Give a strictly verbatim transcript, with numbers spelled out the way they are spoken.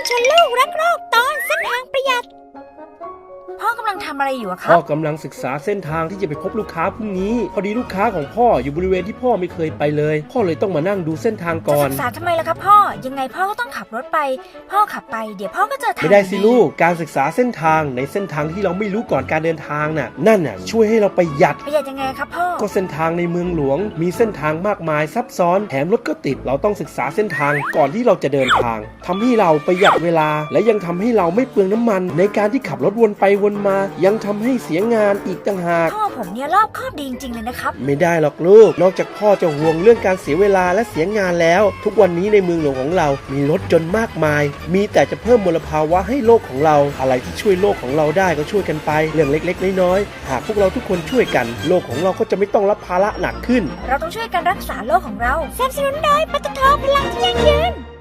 ชวนลูกรักโลกตอนเส้นทางประหยัดพ่อกำลังทำอะไรอยู่อะครับพ่อกำลังศึกษาเส้นทางที่จะไปพบลูกค้าพรุ่งนี้พอดีลูกค้าของพ่ออยู่บริเวณที่พ่อไม่เคยไปเลยพ่อเลยต้องมานั่งดูเส้นทางก่อนจะศึกษาทำไมล่ะครับพ่อยังไงพ่อก็ต้องขับรถไปพ่อขับไปเดี๋ยวพ่อก็เจอทางไม่ได้สิลูกการศึกษาเส้นทางในเส้นทางที่เราไม่รู้ก่อนการเดินทางน่ะนั่นน่ะช่วยให้เราประหยัดประหยัดยังไงครับพ่อก็เส้นทางในเมืองหลวงมีเส้นทางมากมายซับซ้อนแถมรถก็ติดเราต้องศึกษาเส้นทางก่อนที่เราจะเดินทางทำให้เราประหยัดเวลาและยังทำให้เราไม่เปลืองน้ำมันในการที่ขับรถวนไปวนมายังทำให้เสียงานอีกต่างหากพ่อผมเนี่ยรอบคอบดีจริงๆเลยนะครับไม่ได้หรอกลูกนอกจากพ่อจะห่วงเรื่องการเสียเวลาและเสียงานแล้วทุกวันนี้ในเมืองหลวงของเรามีรถจนมากมายมีแต่จะเพิ่มมลภาวะให้โลกของเราอะไรที่ช่วยโลกของเราได้ก็ช่วยกันไปเรื่องเล็กๆน้อยๆหากพวกเราทุกคนช่วยกันโลกของเราก็จะไม่ต้องรับภาระหนักขึ้นเราต้องช่วยกันรักษาโลกของเราสนับสนุนโดยปตท.พลังที่ยั่งยืน